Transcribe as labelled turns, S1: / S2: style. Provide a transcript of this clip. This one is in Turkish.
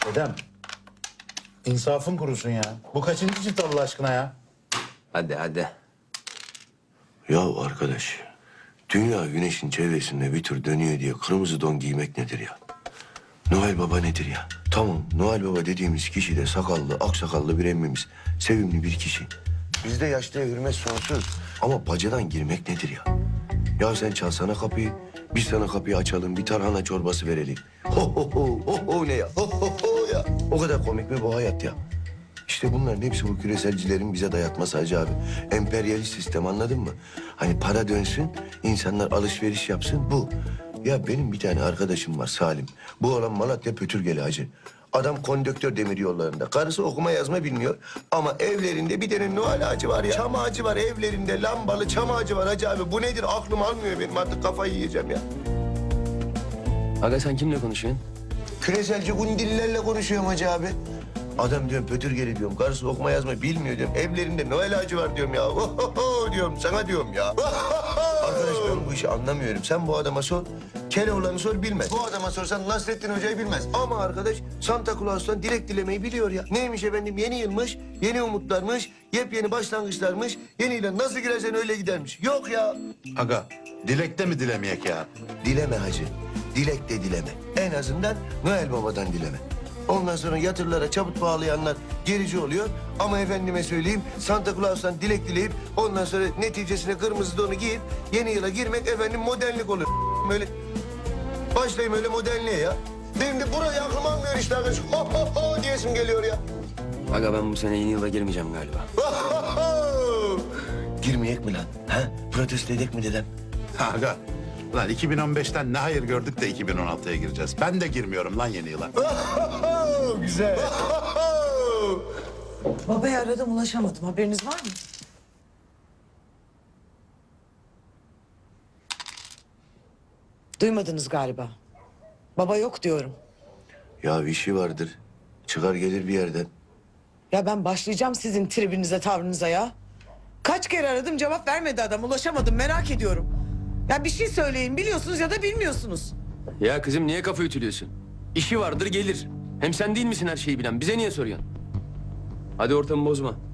S1: Dedem, insafın kurusun ya. Bu kaçıncı çift Allah aşkına ya?
S2: Hadi hadi.
S3: Ya arkadaş, dünya güneşin çevresinde bir tur dönüyor diye kırmızı don giymek nedir ya? Noel Baba nedir ya? Tamam, Noel Baba dediğimiz kişi de sakallı, aksakallı bir emmimiz. Sevimli bir kişi. Bizde yaşlıya hürmet sonsuz. Ama bacadan girmek nedir ya? Ya sen çalsana kapıyı, biz sana kapıyı açalım, bir tarhana çorbası verelim. Ho ho ho, ho ho ne ya? Ho ho ho ya. O kadar komik mi bu hayat ya? İşte bunların hepsi bu küreselcilerin bize dayatması Hacı abi. Emperyalist sistem, anladın mı? Hani para dönsün, insanlar alışveriş yapsın, bu. Ya benim bir tane arkadaşım var Salim. Bu olan Malatya Pötürgeli hacı. Adam kondüktör demir yollarında. Karısı okuma yazma bilmiyor. Ama evlerinde bir tane Noel ağacı var ya. Çam ağacı var evlerinde. Lambalı çam ağacı var Hacı abi. Bu nedir? Aklım almıyor benim. Artık kafayı yiyeceğim ya.
S2: Aga sen kimle konuşuyorsun?
S3: Küreselci gundillerle konuşuyorum Hacı abi. Adam diyorum Pötürgeli diyorum. Karısı okuma yazma bilmiyor diyorum. Evlerinde Noel ağacı var diyorum ya. Ohoho diyorum sana diyorum ya. Arkadaş ben bu işi anlamıyorum. Sen bu adama sor. Keloğlan'ı sor bilmez. Bu adama sorsan Nasrettin Hoca'yı bilmez. Ama arkadaş Santa Claus'tan dilek dilemeyi biliyor ya. Neymiş efendim, yeni yılmış, yeni umutlarmış, yepyeni başlangıçlarmış. Yeni yıla nasıl girersen öyle gidermiş. Yok ya.
S1: Aga, dilekte mi dilemeyek ya?
S3: Dileme hacı. Dilek de dileme. En azından Noel Baba'dan dileme. Ondan sonra yatırlara çabuk bağlayanlar gerici oluyor. Ama efendime söyleyeyim Santa Claus'tan dilek dileyip ondan sonra neticesine kırmızı donu giyip yeni yıla girmek efendim modernlik olur. Böyle başlayayım öyle modernliğe ya. Benim de burayı aklım almıyor işte arkadaş. Ho ho ho diyesim geliyor ya.
S2: Aga ben bu sene yeni yıla girmeyeceğim galiba.
S3: Girmeyek mi lan? Ha? Protesto edek mi dedem?
S1: Ha, aga, lan 2015'ten ne hayır gördük de 2016'ya gireceğiz. Ben de girmiyorum lan yeni yıla.
S3: Güzel.
S4: Babayı aradım ulaşamadım. Haberiniz var mı? Duymadınız galiba. Baba yok diyorum.
S3: Ya işi vardır. Çıkar gelir bir yerden.
S4: Ya ben başlayacağım sizin tribinize, tavrınıza ya. Kaç kere aradım cevap vermedi adam. Ulaşamadım, merak ediyorum. Ya bir şey söyleyin, biliyorsunuz ya da bilmiyorsunuz.
S2: Ya kızım niye kafa ütülüyorsun? İşi vardır gelir. Hem sen değil misin her şeyi bilen? Bize niye soruyorsun? Hadi ortamı bozma.